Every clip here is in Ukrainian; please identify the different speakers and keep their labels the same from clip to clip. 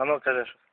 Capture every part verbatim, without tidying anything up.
Speaker 1: А ну кажи щось.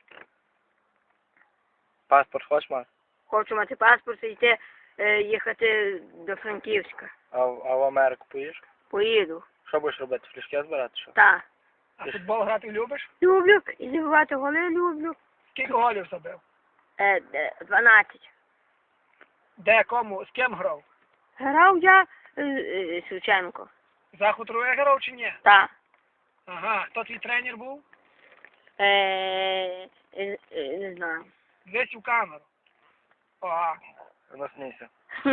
Speaker 1: Паспорт хочеш мати?
Speaker 2: Хочу мати паспорт і йти, е, їхати до Франківська.
Speaker 1: А, в- а в Америку поїдеш?
Speaker 2: Поїду.
Speaker 1: Що будеш робити? Флішки збирати? Що?
Speaker 2: Так.
Speaker 3: А футбол грати любиш?
Speaker 2: Люблю. І забивати голи люблю.
Speaker 3: Скільки голів забив?
Speaker 2: Е, де- дванадцять.
Speaker 3: Де, кому, з ким грав?
Speaker 2: Грав я е, е, Шевченко.
Speaker 3: За Хутрове грав чи ні?
Speaker 2: Так.
Speaker 3: Ага, хто твій тренер був?
Speaker 2: Е, е, е, не знаю.
Speaker 3: Десь у камеру. Ага.
Speaker 1: Ну смійся.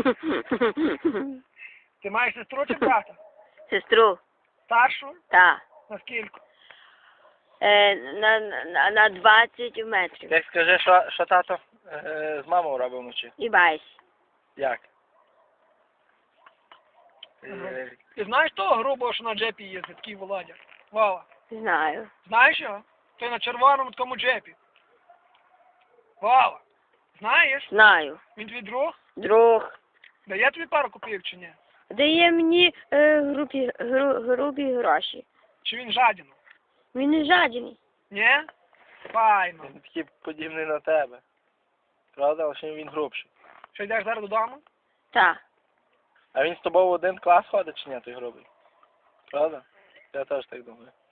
Speaker 3: Ти маєш сестру чи брата?
Speaker 2: Сестру.
Speaker 3: Старшу?
Speaker 2: Так.
Speaker 3: Наскільки?
Speaker 2: Е, на, на, на двадцять метрів.
Speaker 1: Як скажи, що, що тато е, з мамою робив вночі?
Speaker 2: І байсь.
Speaker 1: Як?
Speaker 3: Ага.
Speaker 1: Е,
Speaker 3: Ти знаєш того грубого, що на джепі їздить, такий Володя? Вова.
Speaker 2: Знаю.
Speaker 3: Знаєш його? Той на червоному такому джепі. Вова. Знаєш?
Speaker 2: Знаю.
Speaker 3: Він твій друг?
Speaker 2: Друг.
Speaker 3: Дає тобі пару копійок чи ні?
Speaker 2: Дає мені е, грубі, гру, грубі гроші.
Speaker 3: Чи він жадіну?
Speaker 2: Він не жадіний.
Speaker 3: Ні? Файно.
Speaker 1: Він такий подібний на тебе. Правда, лише він грубший.
Speaker 3: Що, йдеш зараз додому?
Speaker 2: Так.
Speaker 1: А він з тобою в один клас ходить чи ні, той грубий? Правда? Я теж так думаю.